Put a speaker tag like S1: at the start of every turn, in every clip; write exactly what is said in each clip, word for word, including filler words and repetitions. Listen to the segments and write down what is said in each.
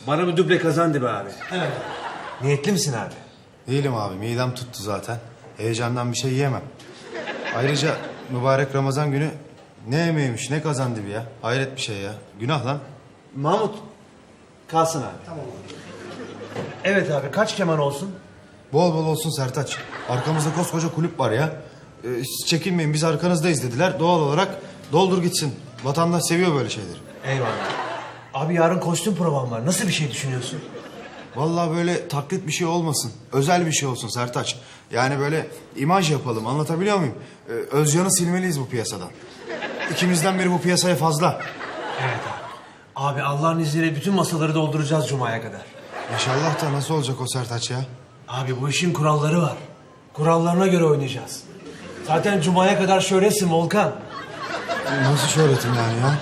S1: Bana bir duble kazandı be abi.
S2: Evet. Niyetli misin abi?
S3: Değilim abi, midem tuttu zaten. Heyecandan bir şey yiyemem. Ayrıca mübarek Ramazan günü ne yemeğiymiş, ne kazandı bir ya. Hayret bir şey ya. Günah lan.
S1: Mahmut kalsın abi. Tamam.
S2: Evet abi, kaç keman olsun?
S3: Bol bol olsun Sertaç. Arkamızda koskoca kulüp var ya. Ee, siz çekinmeyin, biz arkanızdayız dediler. Doğal olarak doldur gitsin. Vatandaş seviyor böyle şeyleri.
S2: Eyvallah. Abi yarın kostüm provam var. Nasıl bir şey düşünüyorsun?
S3: Vallahi böyle taklit bir şey olmasın. Özel bir şey olsun Sertaç. Yani böyle imaj yapalım, anlatabiliyor muyum? Ee, Özcan'ı silmeliyiz bu piyasadan. İkimizden biri bu piyasaya fazla.
S2: Evet abi. Abi Allah'ın izniyle bütün masaları dolduracağız Cuma'ya kadar.
S3: İnşallah da nasıl olacak o Sertaç ya?
S2: Abi bu işin kuralları var. Kurallarına göre oynayacağız. Zaten Cuma'ya kadar şöhretsin Volkan.
S3: Nasıl şöhretim yani ya?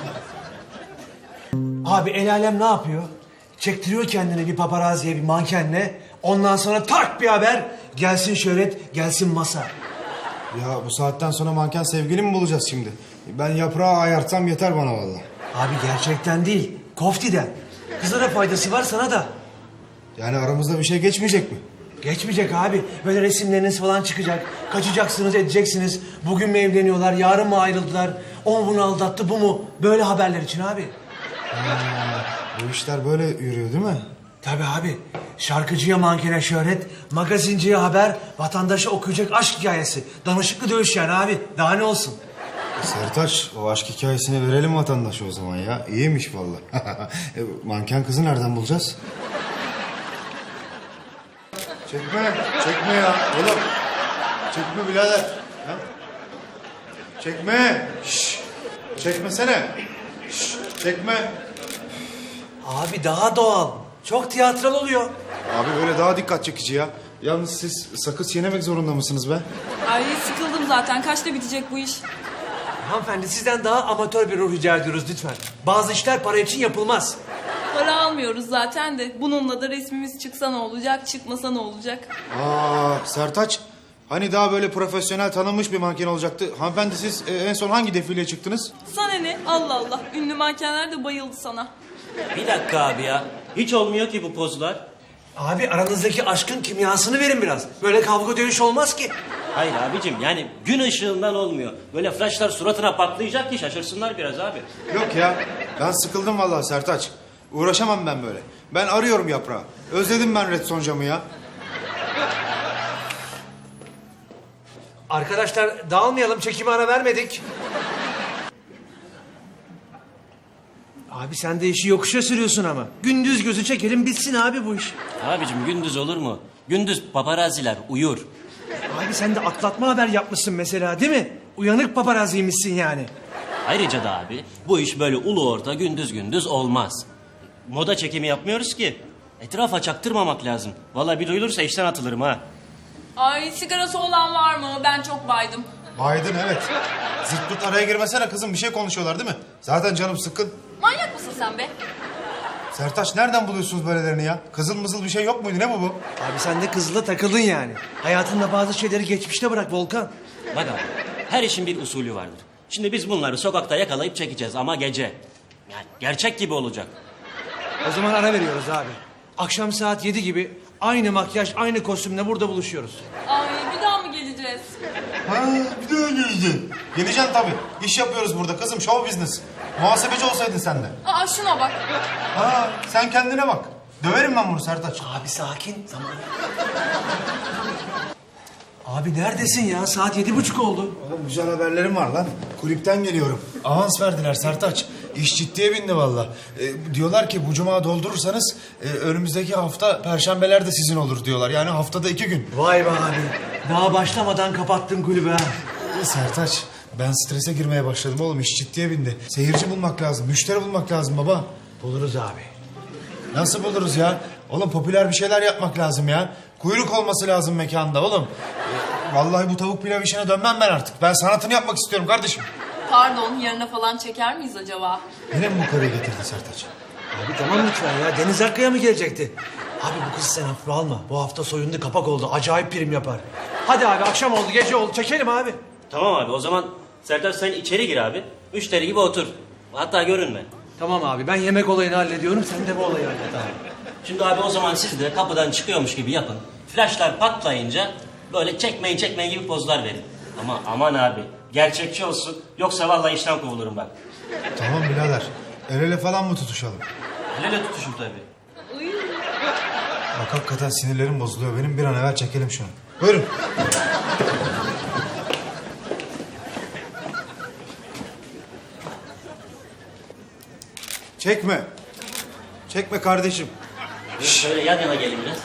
S2: Abi el alem ne yapıyor? Çektiriyor kendini bir paparaziye, bir mankenle. Ondan sonra tak bir haber. Gelsin şöhret, gelsin masa.
S3: Ya bu saatten sonra manken sevgili mi bulacağız şimdi? Ben yaprağı ayartsam yeter bana vallahi.
S2: Abi gerçekten değil, koftiden. Kızlara faydası var, sana da.
S3: Yani aramızda bir şey geçmeyecek mi?
S2: Geçmeyecek abi. Böyle resimleriniz falan çıkacak. Kaçacaksınız, edeceksiniz. Bugün mü evleniyorlar, yarın mı ayrıldılar? O bunu aldattı, bu mu? Böyle haberler için abi.
S3: Bu işler böyle yürüyor değil mi?
S2: Tabii abi. Şarkıcıya mankene şöhret, magazinciye haber, vatandaşa okuyacak aşk hikayesi. Danışıklı dövüş yani abi. Daha ne olsun?
S3: Sertaç, o aşk hikayesini verelim vatandaşa o zaman ya. İyiymiş vallahi. E, manken kızı nereden bulacağız? Çekme, çekme ya oğlum. Çekme birader. Ha? Çekme. Şş. Çekmesene. Şş. Çekme.
S2: Abi daha doğal. Çok tiyatral oluyor.
S3: Abi böyle daha dikkat çekici ya. Yalnız siz sakız çiğnemek zorunda mısınız be?
S4: Ay sıkıldım zaten. Kaçta bitecek bu iş?
S2: Hanımefendi sizden daha amatör bir ruh rica ediyoruz lütfen. Bazı işler para için yapılmaz.
S4: Para almıyoruz zaten de. Bununla da resmimiz çıksa ne olacak, çıkmasa ne olacak?
S3: Aa Sertaç, hani daha böyle profesyonel tanınmış bir manken olacaktı. Hanımefendi siz e, en son hangi defileye çıktınız?
S4: Sana ne? Allah Allah. Ünlü mankenler de bayıldı sana.
S5: Bir dakika abi ya. Hiç olmuyor ki bu pozlar.
S2: Abi aranızdaki aşkın kimyasını verin biraz. Böyle kavga dövüş olmaz ki.
S5: Hayır abicim yani gün ışığından olmuyor. Böyle flaşlar suratına patlayacak ki şaşırsınlar biraz abi.
S3: Yok ya, ben sıkıldım vallahi Sertaç. Uğraşamam ben böyle. Ben arıyorum yaprağı. Özledim ben Red Soncam'ı ya.
S2: Arkadaşlar dağılmayalım, çekime ara vermedik. Abi sen de işi yokuşa sürüyorsun ama. Gündüz gözü çekelim bitsin abi bu iş.
S5: Abicim gündüz olur mu? Gündüz paparaziler uyur.
S2: Abi sen de atlatma haber yapmışsın mesela değil mi? Uyanık paparaziymişsin yani.
S5: Ayrıca da abi bu iş böyle ulu orta gündüz gündüz olmaz. Moda çekimi yapmıyoruz ki. Etrafa çaktırmamak lazım. Vallahi bir duyulursa işten atılırım ha.
S4: Ay sigarası olan var mı? Ben çok baydım.
S3: Aydın evet. Zırt pırt araya girmesene kızım, bir şey konuşuyorlar değil mi? Zaten canım sıkkın.
S4: Manyak mısın sen be?
S3: Sertaç nereden buluyorsunuz böylelerini ya? Kızıl mızıl bir şey yok muydu, ne bu bu?
S2: Abi sen de kızla takıldın yani. Hayatında bazı şeyleri geçmişte bırak Volkan.
S5: Bak abi her işin bir usulü vardır. Şimdi biz bunları sokakta yakalayıp çekeceğiz ama gece. Yani gerçek gibi olacak.
S2: O zaman ara veriyoruz abi. Akşam saat yedi gibi aynı makyaj, aynı kostümle burada buluşuyoruz.
S4: Ay bir daha mı geleceğiz?
S3: Ha, bir de öyle yüzdün. Geleceksin tabii. İş yapıyoruz burada kızım, show business. Muhasebeci olsaydın sen de.
S4: Aa şuna bak.
S3: Ha, sen kendine bak. Döverim ben bunu Sertaç.
S2: Abi sakin. Tamam. Abi neredesin ya? Saat yedi buçuk oldu.
S3: Oğlum güzel haberlerim var lan. Kulüpten geliyorum. Avans verdiler Sertaç. İş ciddiye bindi valla. Ee, diyorlar ki bu cuma doldurursanız e, önümüzdeki hafta perşembeler de sizin olur diyorlar. Yani haftada iki gün.
S2: Vay be abi. Daha başlamadan kapattın kulübü ha.
S3: Ee, Sertaç ben strese girmeye başladım oğlum. İş ciddiye bindi. Seyirci bulmak lazım. Müşteri bulmak lazım baba.
S2: Buluruz abi.
S3: Nasıl buluruz ya? Oğlum popüler bir şeyler yapmak lazım ya. Kuyruk olması lazım mekanda oğlum. Ee, vallahi bu tavuk pilav işine dönmem ben artık. Ben sanatını yapmak istiyorum kardeşim.
S4: Pardon yarına falan çeker miyiz acaba?
S3: Yine mi bu karıyı getirdin Sertaç?
S2: Abi tamam lütfen ya. Deniz Akkaya mı gelecekti? Abi bu kızı sen hafife alma. Bu hafta soyundu kapak oldu. Acayip prim yapar. Hadi abi akşam oldu gece oldu. Çekelim abi.
S5: Tamam abi o zaman Serdar sen içeri gir abi. Müşteri gibi otur. Hatta görünme.
S2: Tamam abi ben yemek olayını hallediyorum. Sen de bu olayı hallet abi.
S5: Şimdi abi o zaman siz de kapıdan çıkıyormuş gibi yapın. Flaşlar patlayınca böyle çekmeyin çekmeyin gibi pozlar verin. Ama aman abi gerçekçi olsun yoksa vallahi işten kovulurum bak.
S3: Tamam birader. El ele falan mı tutuşalım?
S5: El ele tutuşun tabii.
S3: Bak hakikaten sinirlerim bozuluyor. Benim bir an evvel çekelim şunu. Buyurun.
S1: Çekme. Çekme kardeşim.
S5: Şöyle yan yana gelin biraz.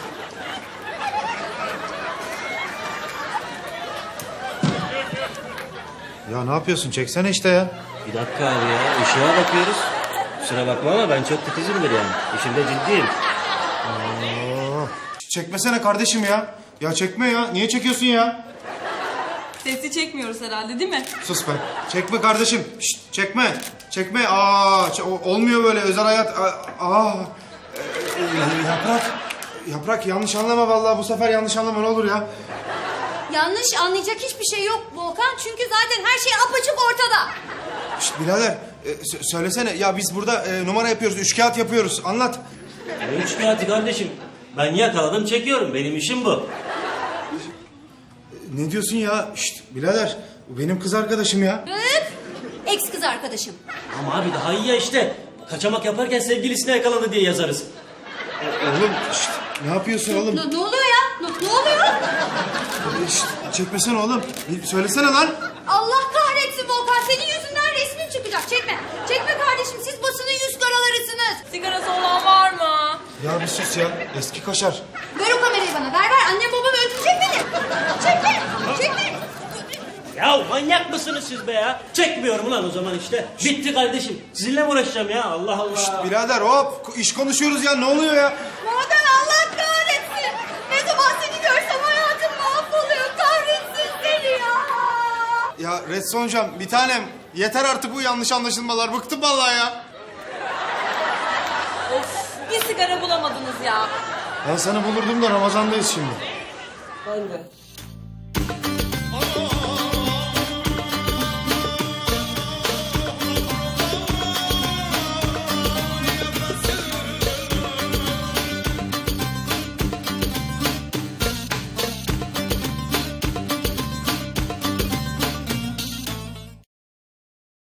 S3: Ya ne yapıyorsun? Çeksene işte ya.
S5: Bir dakika abi ya ışığa bakıyoruz. Kusura bakma ama ben çok titizimdir yani. İşimde ciddiyim.
S3: Çekmesene kardeşim ya. Ya çekme ya. Niye çekiyorsun ya?
S4: Sesi çekmiyoruz herhalde değil mi?
S3: Sus be. Çekme kardeşim. Şşt, çekme. Çekme. Aa, ç- o- olmuyor böyle özel hayat. Aa, aa. Ee, yaprak. Yaprak yanlış anlama vallahi bu sefer yanlış anlama ne olur ya.
S6: Yanlış anlayacak hiçbir şey yok Volkan. Çünkü zaten her şey apaçık ortada.
S3: Şşt birader e, sö- söylesene ya biz burada e, numara yapıyoruz, üç kağıt yapıyoruz. Anlat.
S5: Ne üç kağıtı kardeşim? Ben yakaladım çekiyorum. Benim işim bu.
S3: Ne diyorsun ya? Şşt birader bu benim kız arkadaşım ya.
S6: Üf! Ex kız arkadaşım.
S5: Ama abi daha iyi ya işte. Kaçamak yaparken sevgilisine yakalandı diye yazarız.
S3: Oğlum şşt ne yapıyorsun oğlum?
S6: Ne, ne oluyor ya? Ne, ne oluyor?
S3: Şşt, çekmesene oğlum. Bir söylesene lan.
S6: Allah kahretsin Volkan. Senin yüzünden resmin çıkacak. Çekme. Çekme kardeşim. Siz basının yüz karalarısınız.
S4: Sigarası olan var mı?
S3: Ya bir sus ya. Eski kaşar.
S6: Ver o kamerayı bana. Ver ver. Annem babam öldürecek beni. Çekme. Çekme.
S5: Ya manyak mısınız siz be ya? Çekmiyorum ulan o zaman işte. Bitti kardeşim. Sizinle mi uğraşacağım ya? Allah Allah.
S3: Şşt birader hop iş konuşuyoruz ya ne oluyor ya?
S6: Volkan Allah kahretsin. Ne zaman seni görsem hayatım mahvoluyor. Kahretsin seni ya.
S3: Ya Redson hocam bir tanem yeter artık bu yanlış anlaşılmalar. Bıktım vallahi ya.
S4: Of bir sigara bulamadınız ya.
S3: Ben sana bulurdum da Ramazan'dayız şimdi.
S4: Ben de.